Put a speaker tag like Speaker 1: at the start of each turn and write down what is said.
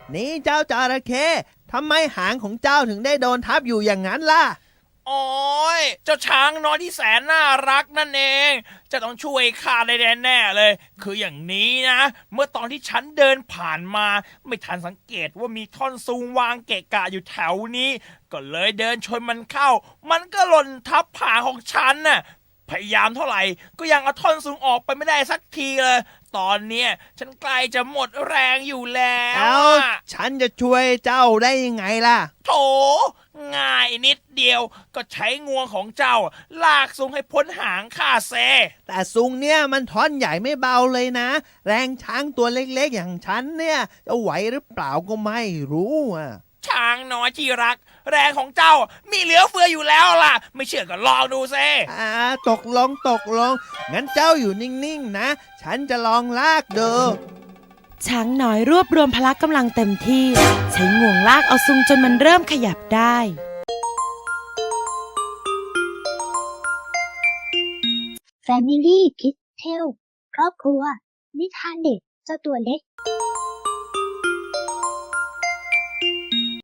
Speaker 1: นี่เจ้าจระเข้ทำไมหางของเจ้าถึงได้โดนทับอยู่อย่างนั้นล่ะ
Speaker 2: โอ้ยเจ้าช้างน้อยที่แสนน่ารักนั่นเองจะต้องช่วยข้าได้แน่ๆเลยคืออย่างนี้นะเมื่อตอนที่ฉันเดินผ่านมาไม่ทันสังเกตว่ามีท่อนซุงวางเกะกะอยู่แถวนี้ก็เลยเดินชนมันเข้ามันก็หล่นทับหางของฉันน่ะพยายามเท่าไหร่ก็ยังเอาท่อนซุงออกไปไม่ได้สักทีเลยตอนเนี้ยฉันใกล้จะหมดแรงอยู่แล้ว
Speaker 1: ฉันจะช่วยเจ้าได้ยังไงล่ะ
Speaker 2: โถง่ายนิดเดียวก็ใช้งวงของเจ้าลากซุงให้พ้นหางข้าเซ
Speaker 1: แต่ซุงเนี่ยมันท่อนใหญ่ไม่เบาเลยนะแรงช้างตัวเล็กๆอย่างฉันเนี่ยจะไหวหรือเปล่าก็ไม่รู้อ่ะ
Speaker 2: ช้างน้อยที่รักแรงของเจ้ามีเหลือเฟืออยู่แล้วล่ะไม่เชื่อก็ลองดูเซ
Speaker 1: ตกลงงั้นเจ้าอยู่นิ่งๆนะฉันจะลองลากดู
Speaker 3: ช้างน้อยรวบรวมพละกำลังเต็มที่ใช้งวงลากเอาซุงจนมันเริ่มขยับได้
Speaker 4: Family Kids Tale ครอบครัวนิทานเด็กเจ้าตัวเล็ก